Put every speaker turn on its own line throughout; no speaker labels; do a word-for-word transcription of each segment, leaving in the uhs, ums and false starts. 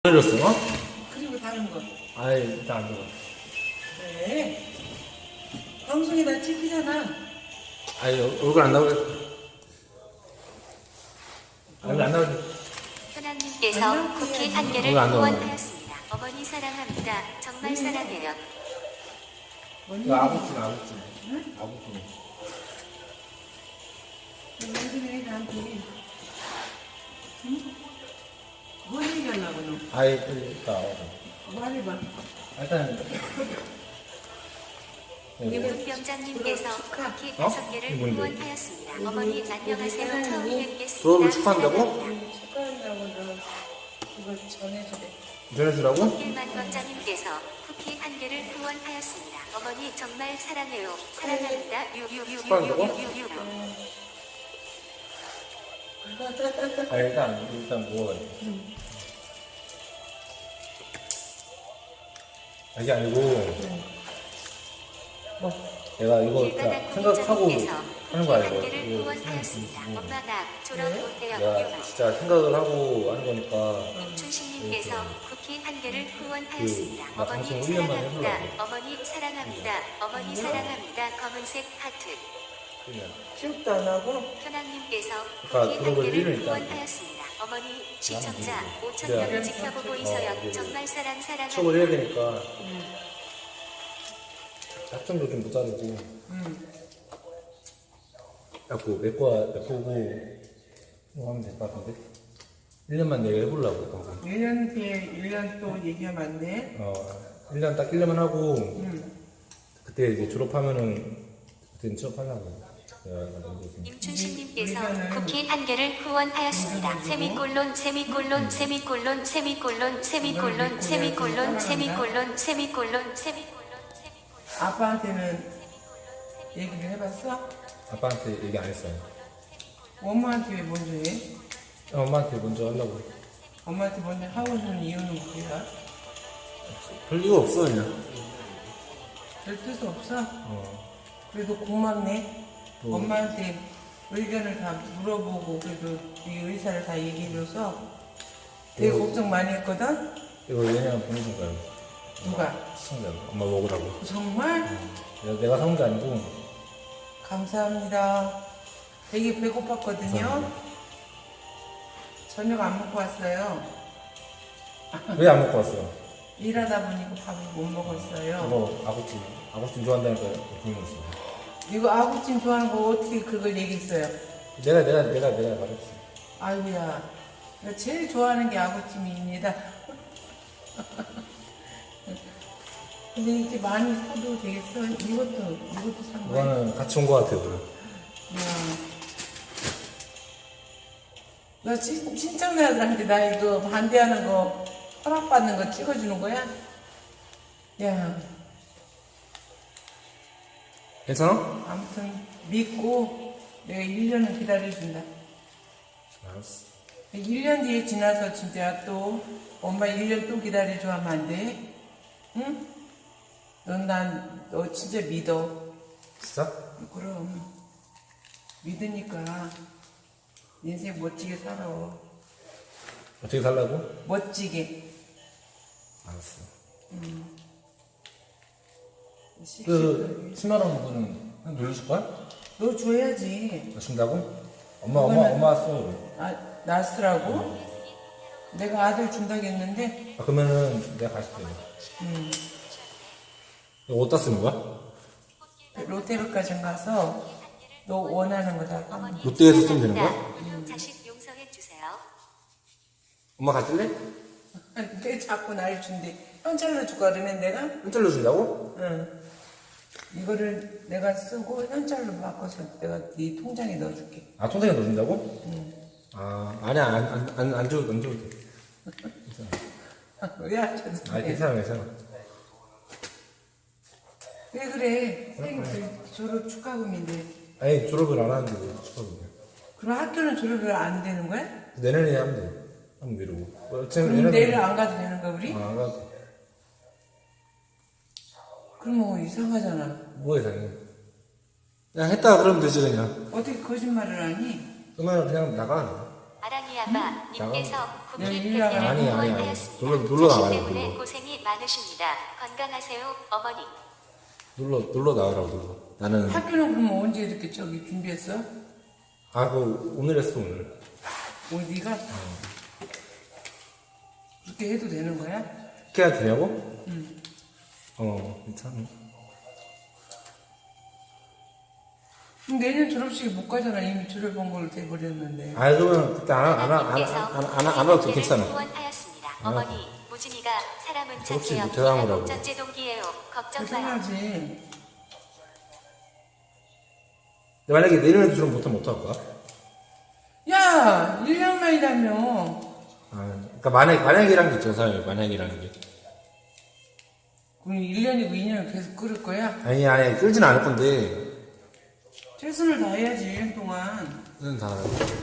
내렸어? 어?
그리고 다른 거.
아이, 일단 안 들어.
왜? 방송에 다 찍히잖아.
아이, 얼굴 안 나오게. 얼굴 안 나오게.
현아님께서 쿠키 한 개를
오늘 안 나오네.
후원하였습니다. 어머니 사랑합니다. 정말 사랑해요.
이거 아구찜, 아구찜. 응? 아구찜.
요즘에 나한테 응? 뭐 얘기하려고 너?
아이, 일단 와봐.
말해봐.
일단.
유분병장님께서 쿠키 다섯 개를
뭔데?
후원하였습니다. 어머니 안녕하세요. 처음 뵙겠습니다.
졸업을 축하한다고?
사랑합니다.
축하한다고 너 이거 전해주래.
전해주라고?
일만병장님께서 쿠키 한 개를 후원하였습니다. 어머니 정말 사랑해요. 사랑합니다. 유유유유유유유.
아, 일단, 일단 먹어봐야 돼.
응.
이게 아니고,
뭐?
내가 이거
일가닥
다 생각하고
국민장님께서
하는
쿠키
거야,
한
이거.
개를
이거
후원하였습니다.
응.
엄마 나 졸업
네?
못해요.
내가 진짜 생각을 하고 하는 거니까.
임춘식님께서 쿠키 한 개를 후원하였습니다.
그, 나
어머니
방송 일 년만
사랑합니다.
해보려고.
어머니 사랑합니다. 어머니 사랑합니다. 검은색 하트.
그냥.
취업도 안 하고?
현황님께서
그러니까
쿠키 한
그런 걸 일을
개를
일단
후원하였습니다. 어머니 시청자
그냥
오천
그냥
명을 지켜보고
어,
있어요.
이게
정말 사랑
취업을 해야
사랑합니다.
되니까
응.
학점도 좀 모자르고.
응.
자꾸 메꿔, 메꾸고 뭐 하면 될 것 같은데? 일 년만 내가 해보려고 방송.
일 년 뒤에 일 년 또 얘기하면 안 돼?
어, 일 년 딱 일 년만 하고
응.
그때 이제 졸업하면은 그때는 취업하려고. 내가 먼저 좀.
임춘식님께서
우리가는
쿠키 한 개를 후원하였습니다. 세미콜론 세미콜론 세미콜론 세미콜론 세미콜론 세미콜론 세미콜론 세미콜론 세미콜론 세미콜론
아빠한테는 얘기를 해봤어?
아빠한테 얘기 안 했어요.
엄마한테 왜 먼저 해?
엄마한테 먼저 하려고.
엄마한테 먼저 하고 있는 이유는 뭐야?
별 이유 없어 그냥.
별 뜻 없어?
어.
그래도 고맙네.
뭐.
엄마한테 의견을 다 물어보고 그래도 네 의사를 다 얘기해줘서 되게
뭐.
걱정 많이 했거든?
이거 얘네랑 보내준 거야.
누가?
시청자가. 엄마 먹으라고.
정말?
내가, 내가 사온 게 아니고.
감사합니다. 되게 배고팠거든요.
감사합니다.
저녁 안 먹고 왔어요.
왜 안 먹고 왔어?
일하다 보니까 밥을 못 먹었어요.
이거 아구찜. 아구찜 좋아한다니까 불렀어.
이거 아구찜 좋아하는 거 어떻게 그걸 얘기했어요?
내가 내가 내가 내가 말했지.
아이고야, 내가 제일 좋아하는 게 아구찜입니다. 근데 이제 많이 사도 되겠어? 이것도, 이것도 산 거야?
이거는 같이 온 거 같아 오늘.
야. 너 친, 친척들한테 나 이거 반대하는 거, 허락받는 거 찍어주는 거야? 야,
괜찮아?
아무튼 믿고 내가 일 년은 기다려준다.
알았어.
일 년 뒤에 지나서 진짜 또 엄마 일 년 또 기다려줘 하면 안 돼? 응? 넌 난 너 진짜 믿어.
진짜?
그럼 믿으니까 인생 멋지게 살아.
어떻게 살라고?
멋지게.
알았어.
음.
그 십만 원 그거는 한 돌려줄 거야?
너 줘야지.
너 준다고? 엄마 엄마
그거는-
엄마 왔어.
아, 나스라고? 내가 아들 준다고 했는데,
아, 그러면은 내가 가실게.
음,
이거 어디다 쓰는 거야?
롯데백화점 가서 너 원하는 거 다 하면 돼.
롯데에서 쓰면 되는 거야?
사랑합니다. 자식 용서해 주세요.
엄마 가질래?
왜 자꾸 날 준대? 현찰로 줄까 그러면 내가?
현찰로 준다고?
응. 이거를 내가 쓰고 현찰로 바꿔서 내가 네 통장에 넣어줄게.
아 통장에 넣어준다고?
응.
아 아니야 안안안 안, 안 줘도 안 줘도 돼.
왜 하셔도
아
돼?
괜찮아 괜찮아.
왜 그래? 생 졸업 축하금인데.
아니 졸업을 안 하는데 왜 축하금이야?
그럼 학교는 졸업을 안 되는 거야?
내년에 하면 돼. 한번 미루고. 어, 지금
그럼
얘네는-
내일 안 가도 되는 거야 우리?
아, 안 가도 돼.
그럼 뭐 이상하잖아.
뭐 이상해. 그냥 했다 그러면 되지 그냥.
어떻게 거짓말을 하니?
그러면 그냥 나가.
아랑이아바 님께서 쿠키
네,
백 개를
아니, 아니, 아니.
후원하였습니다.
눌러- 눌러
자식
나가라고,
때문에
눌러.
고생이 많으십니다. 건강하세요, 어머니.
눌러 눌러 나가라고 눌러. 나는
학교는 그럼 언제 이렇게 저기 준비했어?
아 그 오늘 했어 오늘.
오늘 네가? 그렇게 해도 되는 거야?
그렇게 해야 되냐고?
응.
어 괜찮아.
그럼 내년 졸업식에 못 가잖아. 이미 졸업한 걸로 돼버렸는데.
아 그러면 그때 안안안안
님께서
안 안 와도
쿠키
괜찮아.
후원하였습니다.
안 와도.
어머니, 무진이가 사람은
졸업식
착해요.
못 해당하라고.
목전제 동기예요. 걱정 마요.
걱정하지.
만약에 내년에도 좀 못하면 어떡할 거야?
야! 일 년 만이라며.
아 그러니까 만약 만약이란 게 있죠 사람이 만약이라는 게.
그럼 일 년이고 이 년을 계속 끌을 거야?
아니 아니 끌진 않을 건데.
최선을 다해야지, 일 년 동안.
쓰는 다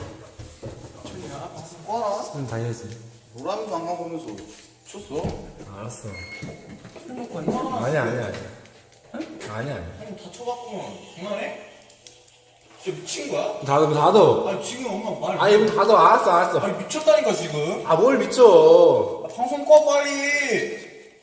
와라.
쓰는 다 해야지.
노랑도 안 가보면서 쳤어?
알았어.
술 먹고 왔나?
아니야 아니야 아니야. 아니야 아니야.
형 다쳐갖고만 장난해? 진짜 미친 거야?
다도 다도.
아니 지금 엄마 말
아니 이거 다도 알았어 알았어.
아니 미쳤다니까 지금.
아 뭘 미쳐.
아, 방송 꺼 빨리.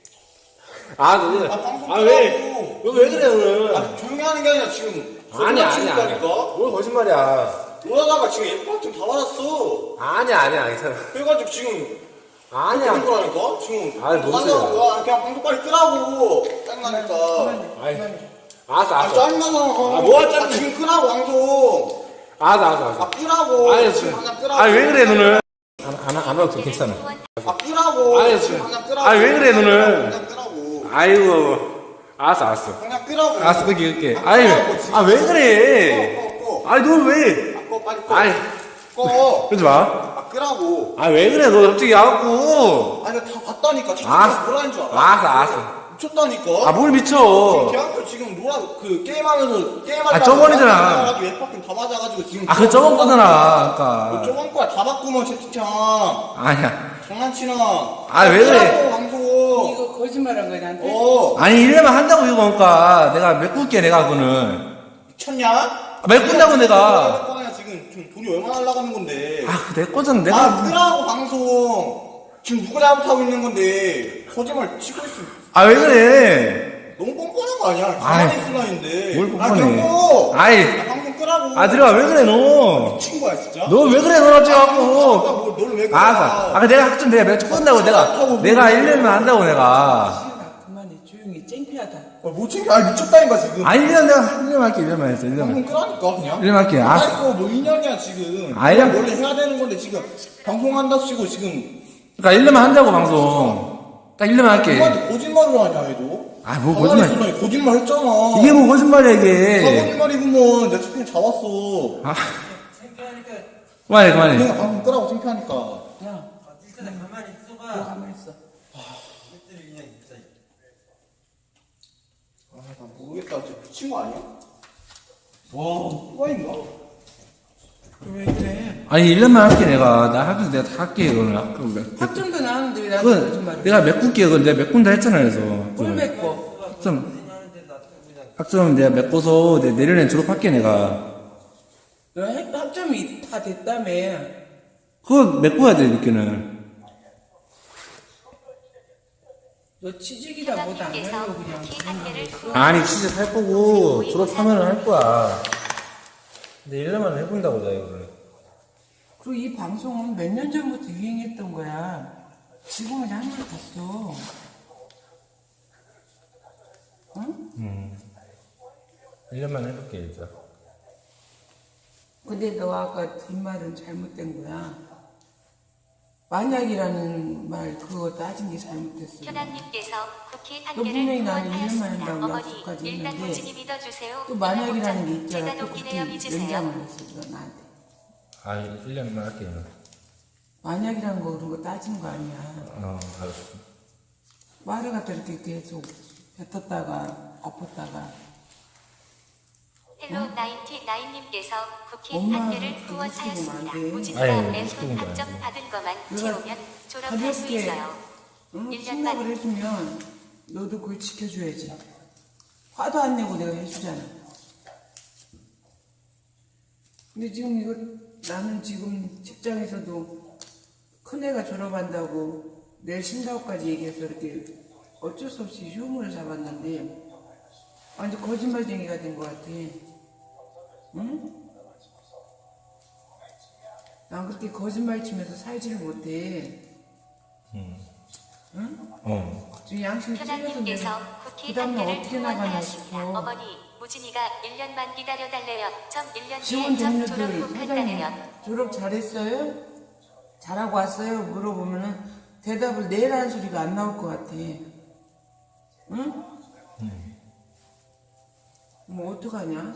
아 너네.
아, 방송
아 왜?
끄라고.
너 왜 그래 오늘?
아 조용히 하는 게 아니라 지금
아니야 아니야 아니야.
니까
뭘 거짓말이야.
그러다가 지금 예뻐 좀다 받았어.
아니야 아니야 괜찮아.
그래가지고 지금
아니야.
그런 거라니까 지금.
아니, 뭔 소리야.
하자고. 아, 그냥 방송 빨리 끄라고. 짜증나니까.
아이. 알았어
아
알았어.
짜증나잖아.
아, 뭐가 짜증나.
아, 지금 끄라고 방송.
알았어 알았어 알았어.
아 끄라고.
아니
지금
지금.
당장 끄라고.
아니 왜 그래 너는? 안안 안 와도 괜찮아.
아 끄라고.
아니,
지금
지금.
당장 끄라고.
아니, 왜 그래, 너는?
당장 끄라고.
아이고. 알았어 알았어.
당장 끄라고.
알았어 그게 그게.
아,
아니
끄라고, 지금.
아 왜 그래?
꺼, 꺼, 꺼.
아니 너 왜?
아, 꺼 빨리 꺼.
아니
꺼.
그러지 마.
아 끄라고.
아 왜 그래 너 갑자기 와갖고.
아니 다 봤다니까.
알았어.
진짜 뭐라는 줄 알아?
알았어 알았어.
미쳤다니까.
아 뭘 미쳐.
대학교 지금 노라 그 게임하면서 게임하다가
아, 저번이잖아.
웹박힌 다 맞아가지고 지금.
아 그 저번 거잖아. 그니까.
저번 거야 다 바꾸면 채팅창.
아니야.
장난치나.
아, 왜 그래?
끄라고, 방송.
이거 거짓말한 거야, 나한테?
어.
아니 이래만 한다고 이거 그러니까 내가 메꿀게 내가 그거는.
미쳤냐?
아, 메꾼다고 내가.
거야 지금 지금 돈이 얼마나 날라가는 건데.
아 내 거잖아 내가.
아, 끄라고 방송. 지금 누가 잘못하고 있는 건데 거짓말 치고 있어.
아 왜 그래?
너무 뻔뻔한 거 아니야? 가만히
아이,
있으라 했는데.
뭘
아,
뻔뻔해.
그냥 꺼.
아이.
아, 방송 끄라고.
아 들어가 왜 그래 너?
미친 거야 진짜.
너 왜 그래 너 갑자기
아,
갖고.
뭐, 너를 왜 그래?
알았어. 아 내가 학점 내가 몇 주 끝나고 내가 내가 일 년만 한다고 내가.
시은아, 그만해. 조용히. 창피하다.
아, 못 챙겨. 아, 미쳤다니까 지금.
아니 일 년 내가 일 년만 할게 일 년만 했어 일
방송
년만.
끄라니까 그냥.
일 년만 할게. 아.
아이고 뭐 이 년이야 지금.
아니야.
그냥 원래 해야 되는 건데 지금 방송한다 치고 지금.
그러니까 일 년만 한다고 방송. 딱 일 년만 할게.
누구한테 거짓말을 하냐 얘도.
아, 뭐
가만히
거짓말.
있으라 거짓말 했잖아.
이게 뭐 거짓말이야
다
이게.
거짓말이구먼. 내 채팅 잡았어.
아. 그만해 그만해.
내가 방송 끄라고 창피하니까.
야,
일단 가만히 있어봐.
너 가만히 있어.
이것들이 그냥 진짜.
아, 나 모르겠다. 진짜 미친 거 아니야? 와, 또라이인가?
왜 그래?
아니 일 년만 할게 내가. 나 학교 내가 다 할게 이거는. 학교 몇-
학점도 나왔는데 왜 나한테
그건
거짓말을
내가 메꿀게 그건 내가 메꾼다 했잖아 그래서.
뭘 맺고?
학점 학점 내가 메꿔서 내 내년에 졸업할게 내가.
너 학- 학점이 다 됐다며.
그거 메꿔야 돼 늦게는.
너 취직이다 뭐다 안
하나님께서
하려고 그냥.
쿠키 한 개를
아니 진짜 할 거고 졸업하면 할 거야. 근데 일 년만 해본다고 나 이거를.
그리고 이 방송은 몇 년 전부터 유행했던 거야. 지금은 한물 갔어. 응?
일 년만 해볼게 진짜.
근데 너 아까 뒷말은 잘못된 거야. 만약이라는 말 그거 따진 게 잘못됐어.
현아님께서 쿠키 한
너
개를
분명히 나는 일 년만
후원하였습니다.
한다고
어머니,
약속까지
일단
했는데
무진이 믿어주세요.
또 만약이라는 게 있잖아.
제가
또
높이네요.
그렇게
믿으세요.
연장을 했어 너 나한테.
아 일 년만 할게 나.
만약이라는 거 그런 거 따진 거 아니야.
어 알았어.
말을 갖다 이렇게 계속 뱉었다가 엎었다가
헬로 나인티나인님께서 쿠키
엄마,
한 개를
그거
후원하였습니다.
시키면 안 돼.
무진이가
아니,
램프
시키는 거
학점
아니야.
받은 것만
내가
채우면 졸업할 수
가볍게
있어요.
응?
일
승낙을
년만
해주면 너도 그걸 지켜줘야지. 화도 안 내고 내가 해주잖아. 근데 지금 이거 나는 지금 직장에서도 큰애가 졸업한다고 내일 쉰다고까지 얘기해서 이렇게 어쩔 수 없이 휴무를 잡았는데 완전 거짓말쟁이가 된 것 같아. 응? 난 그렇게 거짓말 치면서 살지를 못해. 응?
어.
지금 양심 찔려서
현아님께서
내가
쿠키
그
한
다음날
개를
어떻게 나가나
후원하였습니다.
싶어.
어머니, 무진이가 일 년만 기다려달래요. 점 일 년
지원
뒤에 점 졸업
동료들
후
사장님
간다네요.
졸업 잘했어요? 잘하고 왔어요? 물어보면은 대답을 내일 하는 소리가 안 나올 것 같아. 응? 뭐 어떡하냐?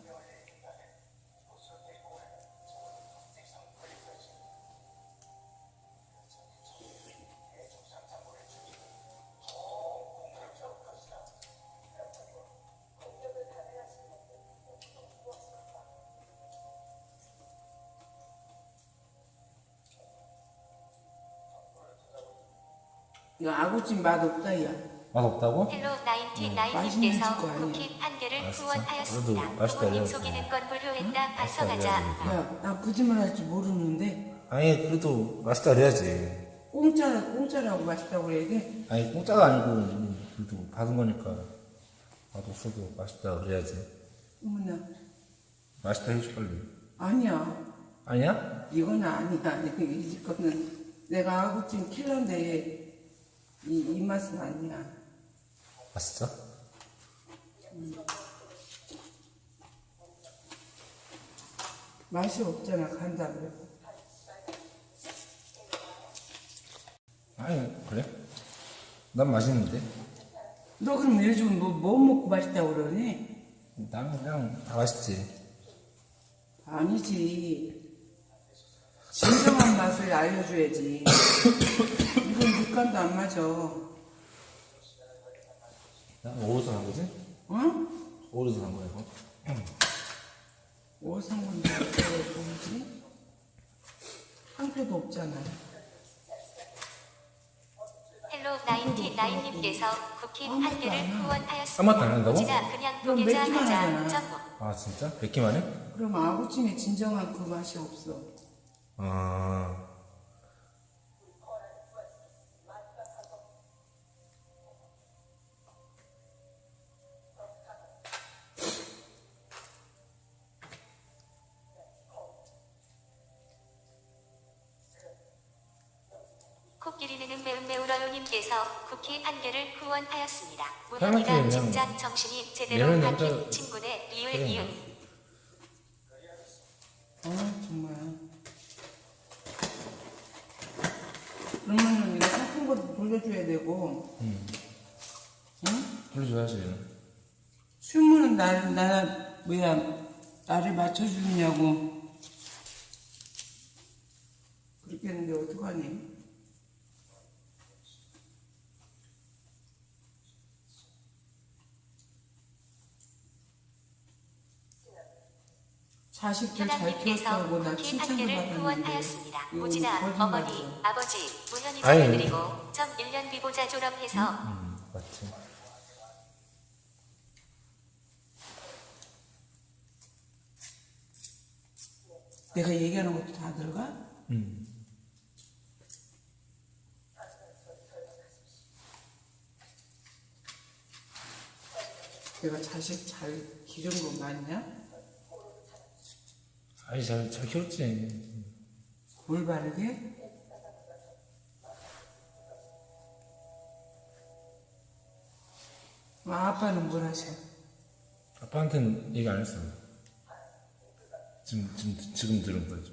이거 아구찜 맛없다 야.
맛없다고?
헬로 나인티
맛있는
나인님께서
거 아니야.
쿠키 한 개를
맛있어?
후원하였습니다.
그래도 맛있다,
부모님
그래도.
속이는 건 불효했다.
맛있다,
반성하자.
그래도.
야, 나 거짓말 할 줄 모르는데
아니 그래도 맛있다 그래야지.
공짜, 공짜라고 맛있다고 그래야 돼?
아니 공짜가 아니고 그래도 받은 거니까 맛없어도 맛있다 그래야지.
어머나,
맛있다 해줘 빨리.
아니야.
아니야?
이건 아니야. 이 집 거는 내가 아구찜 킬러인데 이, 이 맛은 아니야.
맛있어?
맛이 없잖아, 간다 그래.
아니 그래? 난 맛있는데.
너 그럼 요즘 뭐, 뭐 먹고 맛있다고 그러니?
난 그냥 다 맛있지.
아니지. 진정한 맛을 알려줘야지. 이건 육감도 안 맞아.
난 어디서 산 거지?
응?
어디서 산 거야 이거?
어디서 산 건지 뭐지? 한 표도 없잖아.
헬로 나인티 나인님께서 쿠키 한 개를
아무것도 안
후원하였습니다.
한다고?
무진아 그냥
그럼
보게자
맵기만
하자.
하잖아.
점프.
아 진짜? 뵙기만 해?
그럼 아구찜에 진정한 그 맛이 없어.
아
코끼리는 매운 매우러요님께서 쿠키 한 개를 후원하였습니다.
사람한테
무난이가
그냥
진작 정신이 제대로
매운
박힌
남자
친구네. 이을
그래.
이은.
아, 정말. 그러면은 이거 삭힌 것도 돌려줘야 되고, 응?
불러줘야지.
휴무는 나를, 나, 뭐야, 나를 맞춰주느냐고. 그렇게 했는데 어떡하니? 자식들 잘
현아님께서
키웠다고 나
쿠키 한
칭찬도
개를
받았는데
후원하였습니다.
이거
무진아,
거짓말이야.
어머니, 아버지, 무현이
아니.
전해드리고 점 일 년 비보자 졸업해서
음 맞지.
내가 얘기하는 것도 다 들어가?
음.
내가 자식 잘 기른 거 맞냐?
아니 잘, 잘 키웠지.
뭘 바르게? 아, 아빠는 뭘 하셔?
아빠한테는 얘기 안 했어. 지금 지금 지금 들은 거죠.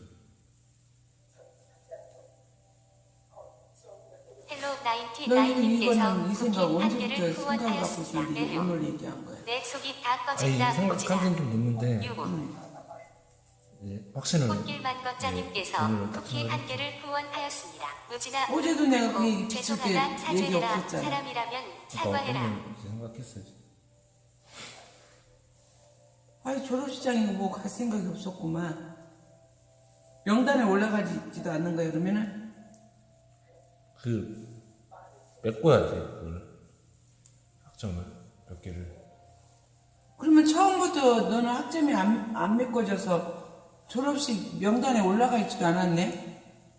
헬로 나인티
너
나인님께서
이거는 이
쿠키
생각
한
언제부터
개를
생각을 갖고
후원하였습니다.
있었는데
에휴.
오늘 얘기한 거야?
내 속이 다
아니
꺼진다.
생각한
무진아.
지는 좀 됐는데
유고.
이제 확신을.
꽃길만 걷자님께서
네, 오늘
쿠키 한 개를 후원하였습니다. 무진아.
어제도 내가 그 얘기
어,
비칠 때
죄송하다.
얘기
사죄해라.
없었잖아.
사람이라면
그러니까
사과해라.
어머니 이제 생각했어야지.
아니 졸업식장이고 뭐 갈 생각이 없었구만. 명단에 올라가지도 않는 거야 그러면은?
그 메꿔야 돼 그걸 학점을 몇 개를.
그러면 처음부터 너는 학점이 안, 안 메꿔져서 졸업식 명단에 올라가 있지도 않았네.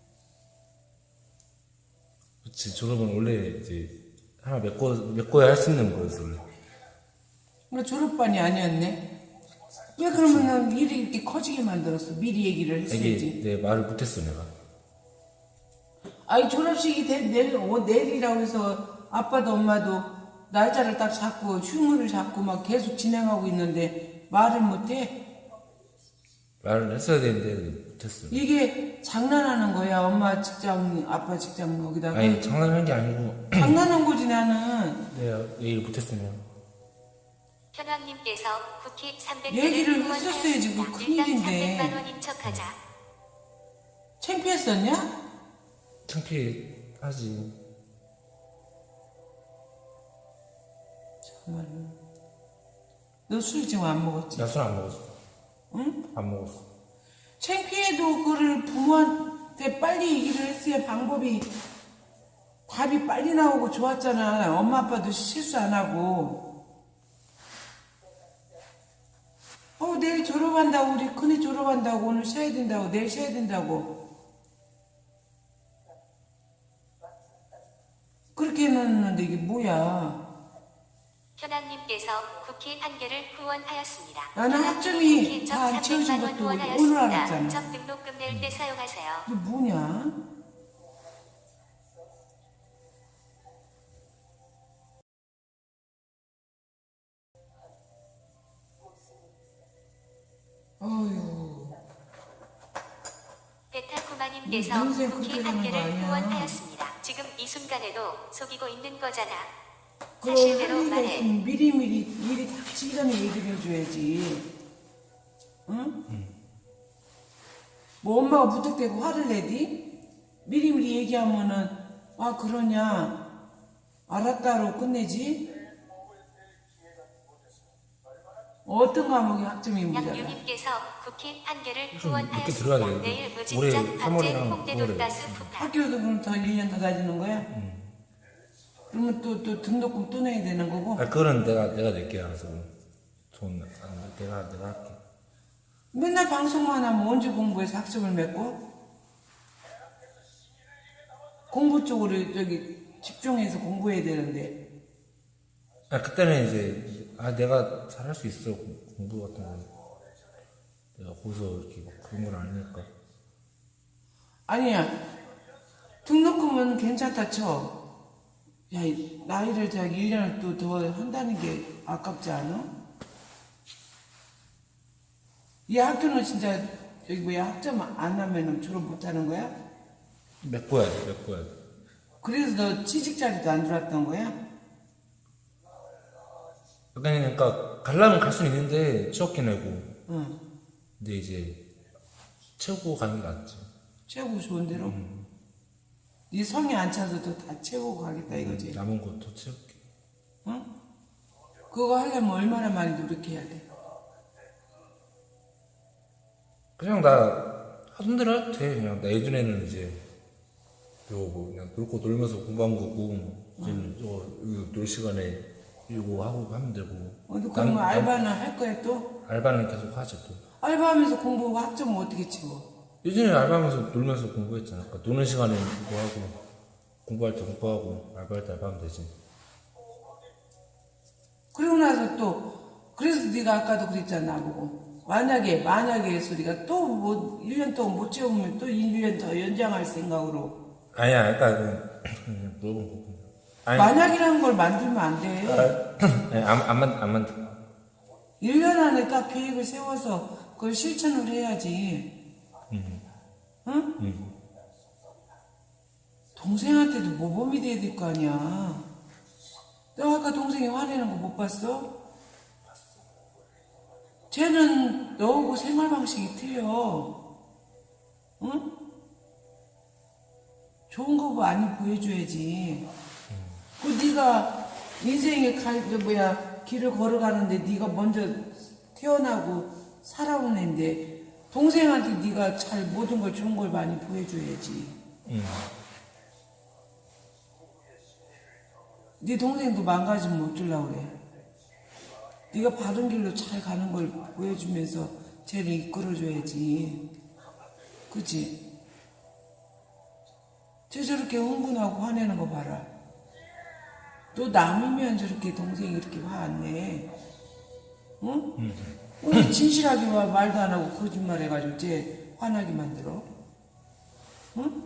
그치, 졸업은 원래 이제 하나 메꿔, 메꿔야 할 수 있는 거였어, 원래.
뭐 졸업반이 아니었네. 왜 그러면은 일이 이렇게 커지게 만들었어? 미리 얘기를 했어야지.
이게 내 말을 못했어, 내가.
아니 졸업식이 대, 내일, 어, 내일이라고 해서 아빠도 엄마도 날짜를 딱 잡고 휴무를 잡고 막 계속 진행하고 있는데 말을 못해?
말을 했어야 되는데 못했어.
이게 장난하는 거야. 엄마 직장, 아빠 직장 거기다가.
아니, 장난하는 게 아니고,
장난한 거지 나는.
내가 얘기를 못했으면.
현황님께서 쿠키 삼백
얘기를
개를
했었어야지,
후원하였습니다.
뭐
일단
큰일인데.
삼백만 원인 척하자.
창피했었냐?
창피하지.
정말로. 너 술 지금 안 먹었지?
나 술 안 먹었어.
응?
안 먹었어.
창피해도 그를 부모한테 빨리 얘기를 했어야 방법이 답이 빨리 나오고 좋았잖아. 엄마 아빠도 실수 안 하고. 어 내일 졸업한다고 우리 큰애 졸업한다고 오늘 쉬어야 된다고 내일 쉬어야 된다고 그렇게 해놨는데 이게 뭐야.
현황님께서 쿠키 한 개를 후원하였습니다.
나는
현황님
학점이
쿠키
다안
점
채워진
삼백만 원
것도 오늘
후원하였습니다.
알았잖아.
점 등록금 낼 때 사용하세요.
이게 뭐냐. 어휴.
베타쿠마님께서
인생
쿠키
그렇게
한
되는 거
개를
아니야.
후원하였습니다. 지금 이 순간에도 속이고 있는 거잖아.
그럼
사실대로
할 일이
말해.
없으면 미리미리 일이 닥치기 전에 얘기를 해줘야지. 응? 뭐 엄마가 무턱대고 화를 내디? 미리미리 얘기하면은 아 그러냐 알았다로 끝내지? 어떤 과목이 학점이 모자라?
양유님께서 쿠키 한 개를
좀 늦게
후원하였습니다.
들어가야 돼.
내일
올해
무진장 박제
삼월이랑
홍대도
구월에.
가스 푸파.
학교도 그럼 더 일 년 더 다니는 거야? 그러면 또, 또 등록금 또 내야 되는 거고?
아, 그거는 내가, 내가 낼게, 알아서. 돈, 안, 내가, 내가 할게.
맨날 방송만 하면 언제 공부해서 학점을 맺고? 공부 쪽으로 저기 집중해서 공부해야 되는데.
아, 그때는 이제, 아, 내가 잘할 수 있어. 공- 공부 같은 거. 내가 거기서 이렇게 막 그런 걸 아니니까.
아니야. 등록금은 괜찮다 쳐. 야, 이 나이를 저기 일 년을 또 더 한다는 게 아깝지 않아? 이 학교는 진짜 여기 뭐야 학점 안 하면은 졸업 못 하는 거야?
메꿔야 돼, 메꿔야 돼.
그래서 너 취직 자리도 안 들어왔던 거야?
그러니까, 가려면 갈 수는 있는데, 취업기 내고.
응.
근데 이제, 채우고 가는 게 낫지.
채우고 좋은 대로? 네 성이 안 차서도 다 채우고 가겠다 이거지?
남은 것도 채울게.
응? 그거 하려면 얼마나 많이 노력해야 돼?
그냥 나, 하던 대로 해도 돼. 그냥, 나 예전에는 이제, 요, 뭐, 그냥 놀고 놀면서 공부한 거고, 이제, 저, 이거 놀 시간에 이거 하고 하면 되고.
어, 너
남-
그러면
남-
알바는 할 거야 또?
알바는 계속 하지 또.
알바하면서 공부 학점은 어떻게 채워?
예전에 알바하면서 놀면서 공부했잖아. 그러니까 노는 시간에 뭐 하고, 공부할 때 공부하고, 알바할 때 알바하면 되지.
그러고 나서 또 그래서 네가 아까도 그랬잖아 나보고 만약에 만약에 소리가 또 뭐 일 년 동안 못 채우면 또 일 년 더 연장할 생각으로
아니야, 그러니까, 그, 그냥 물어본 거고. 아니,
만약이라는 걸 만들면 안 돼.
아니, 안, 안, 만, 안 만들.
일 년 안에 딱 계획을 세워서 그걸 실천을 해야지.
음.
응?
음.
동생한테도 모범이 돼야 될 거 아니야. 너 아까 동생이 화내는 거 못 봤어? 쟤는 너하고 생활 방식이 틀려. 응? 좋은 거 많이 보여줘야지. 그 네가 인생의 갈, 저 뭐야 길을 걸어가는데 네가 먼저 태어나고 살아온 애인데 동생한테 네가 잘 모든 걸 좋은 걸 많이 보여줘야지.
음.
네 동생도 망가지면 어쩌려고 그래. 네가 바른 길로 잘 가는 걸 보여주면서 쟤를 이끌어줘야지. 그치? 쟤 저렇게 흥분하고 화내는 거 봐라. 또 남이면 저렇게 동생이 이렇게 화 안 내. 응? 왜 진실하게 와 말도 안 하고 거짓말 해가지고 쟤 화나게 만들어? 응?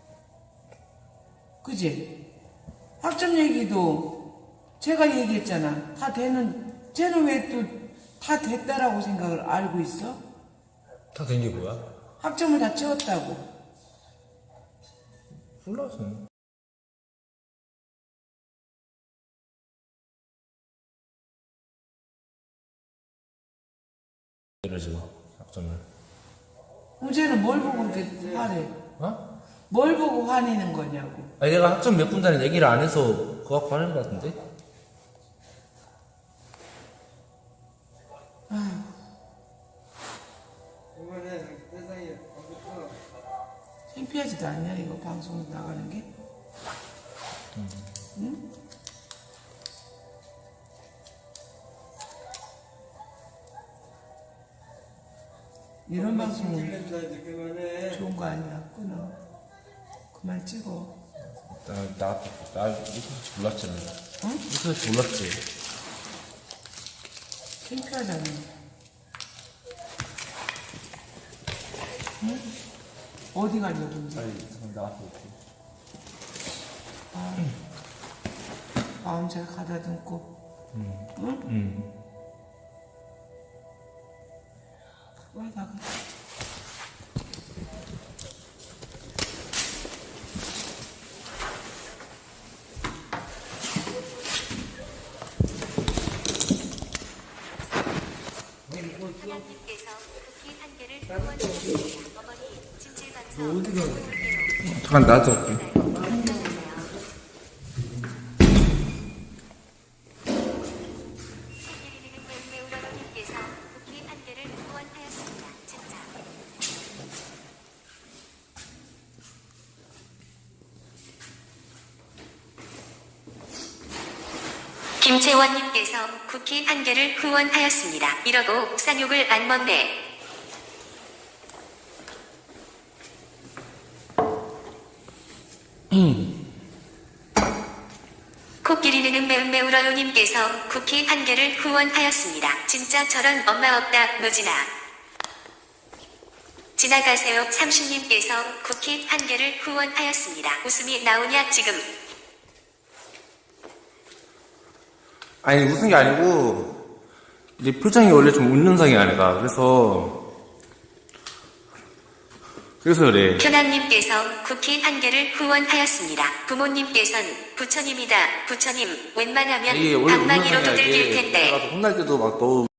그지? 학점 얘기도 제가 얘기했잖아. 다 되는, 쟤는 왜 또 다 됐다라고 생각을 알고 있어?
다 된 게 뭐야?
학점을 다 채웠다고.
몰라서. 이러지 학점을.
그럼 쟤는 뭘 보고 그렇게 화내?
어?
뭘 보고 화내는 거냐고.
아니 내가 학점 몇 분다는 얘기를 안 해서 그거 갖고 하는 거 같은데?
이번에 세상에 아무것도
창피하지도 않냐 이거 방송 나가는 게? 응? 이런 방송은
냄새 이제 그만해.
좋은 거 아니야. 끊어. 그만 찍어.
나, 나, 나, 이거 몰랐지, 나.
어?
이거 몰랐지.
창피하잖아. 응? 어디 가려고 이제?
아니, 잠깐 나갔다 올게.
아, 마음 잘 가다듬고. 응?
응.
와, 나가.
하나님께서 쿠키 한 개를 후원하셨습니다. 어머니 진실방송
잠깐 나갔다 올게.
메우러님께서 쿠키 한 개를 후원하였습니다. 진짜. 김채원님께서 쿠키 한 개를 후원하였습니다. 이러고 쌍욕을 안 먹네. 코끼리는 매운매우러요님께서 쿠키 한 개를 후원하였습니다. 진짜 저런 엄마 없다 노진아. 지나가세요 삼십님께서 쿠키 한 개를 후원하였습니다. 웃음이 나오냐 지금.
아니, 웃은 게 아니고, 이제 표정이 원래 좀 웃는 상이 아니라, 그래서, 그래서 그래.
현암님께서 쿠키 한 개를 후원하였습니다. 부모님께선 부처님이다. 부처님 웬만하면
이게 원래 웃는
방망이로
상이야,
두들길
이게.
텐데.
내가 혼날 때도 막 너무